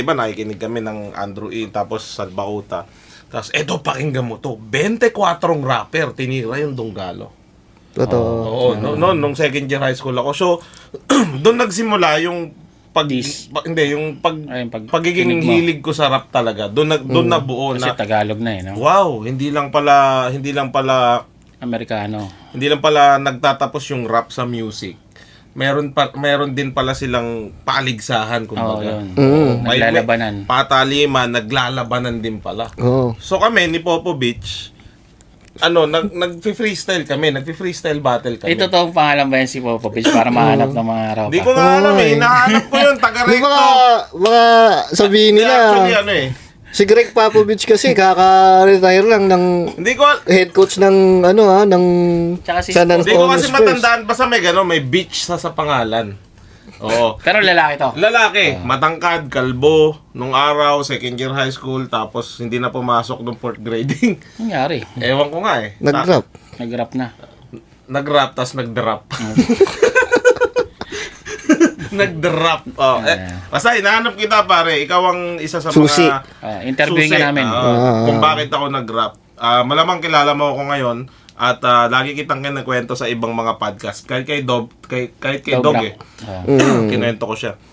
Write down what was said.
Diba nakikinig kami ng Andrew E. tapos Salbakuta. Tapos eto pakinggan mo to. 24 rapper tinira yung Donggalo. Totoo. Oo, nung second year high school ako. So doon nagsimula yung pagiging hilig ko sa rap talaga. Doon nabuo Kasi na Tagalog na eh, no? wow, hindi lang pala Amerikano. hindi lang pala nagtatapos yung rap sa music. Meron din pala silang paligsahan kumbaga. Yun. Naglalabanan. Pataliman, naglalabanan din pala. Oo. So kami ni Popovich, nag-freestyle kami, nag-freestyle battle kami. Ito toong pangalan ba yan si Popovich para mahanap ng mga ropa? Hindi ko nga alam eh, hinahanap ko yun, taga-recto. Baka sabihin nila, Actually, si Greg Popovich kasi kaka-retire lang ng hindi ko head coach ng ng Tsaka si San hindi ko Antonio kasi Spurs. matandaan, basta may beach sa pangalan. Oo. Pero lalaki to. Lalaki, matangkad, kalbo, nung araw, second year high school, tapos hindi na pumasok nung fourth grading. Nangyari. Ewan ko nga eh. Nag-rap. Nag-rap na. Nag-rap, tas nag-drop. Nag-drop. Oh, basta hinahanap kita pare, ikaw ang isa sa Susi. mga Interviewin ka namin. Kung bakit ako nag-rap. Malamang kilala mo ako ngayon at lagi kitang kinakwento sa ibang mga podcast. Kahit kay Dog, kahit kay Dog Dog eh. rap. Kinuwento ko siya.